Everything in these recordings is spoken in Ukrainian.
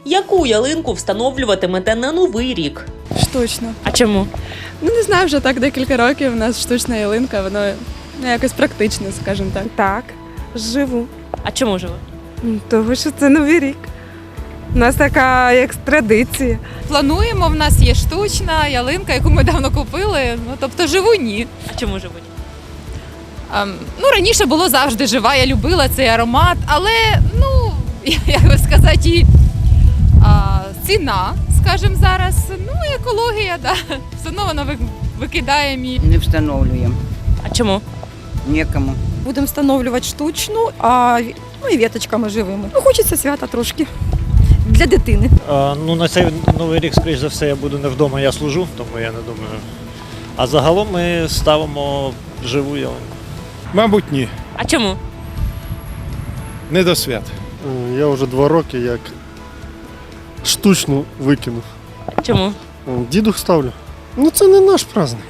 Яку ялинку встановлюватимете на Новий рік? Штучно. А чому? Ну не знаю, вже так декілька років у нас штучна ялинка, воно якось практичне, скажімо так. Так, живу. А чому живе? Тому що це Новий рік. У нас така як традиція. Плануємо, в нас є штучна ялинка, яку ми давно купили. Ну, тобто живу ні. А чому живуть? Ну, раніше було завжди жива, я любила цей аромат, але, ну, як би сказати, і ціна, скажімо зараз, ну, і екологія, да. Все одно вона викидає мій. Не встановлюємо. А чому? Нікому. Будемо встановлювати штучну, ну і віточками живими. Ну, хочеться свята трошки для дитини. Ну, на цей Новий рік, скоріш за все, я буду не вдома, я служу, тому я не думаю. А загалом ми ставимо живу ялинку. Мабуть, ні. А чому? Не до свят. Я вже 2 роки як штучну викинув. Чому? Дідух ставлю. Ну це не наш праздник.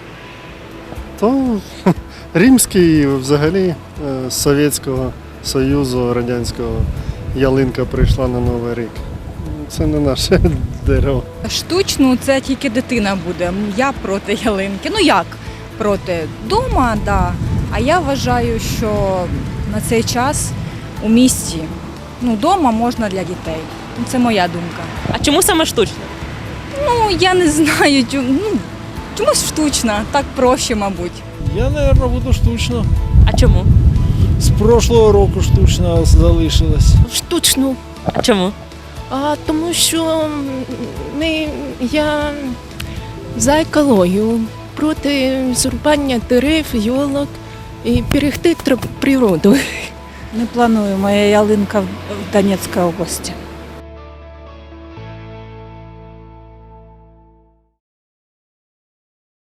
То римський взагалі з Совєтського Союзу, Радянського ялинка прийшла на Новий рік. Це не наше дерево. Штучну це тільки дитина буде. Я проти ялинки. Ну як проти? Дома, да. А я вважаю, що на цей час у місті, ну, дома можна для дітей. Це моя думка. А чому саме штучно? Ну, я не знаю, чомусь штучна, так проще, мабуть. Я, мабуть, буду штучно. А чому? З прошлого року штучно залишилось. Штучну. А чому? Тому що я за екологію, проти зрубання дерев, йолок і берегти природу. Не планую, моя ялинка в Донецькій області.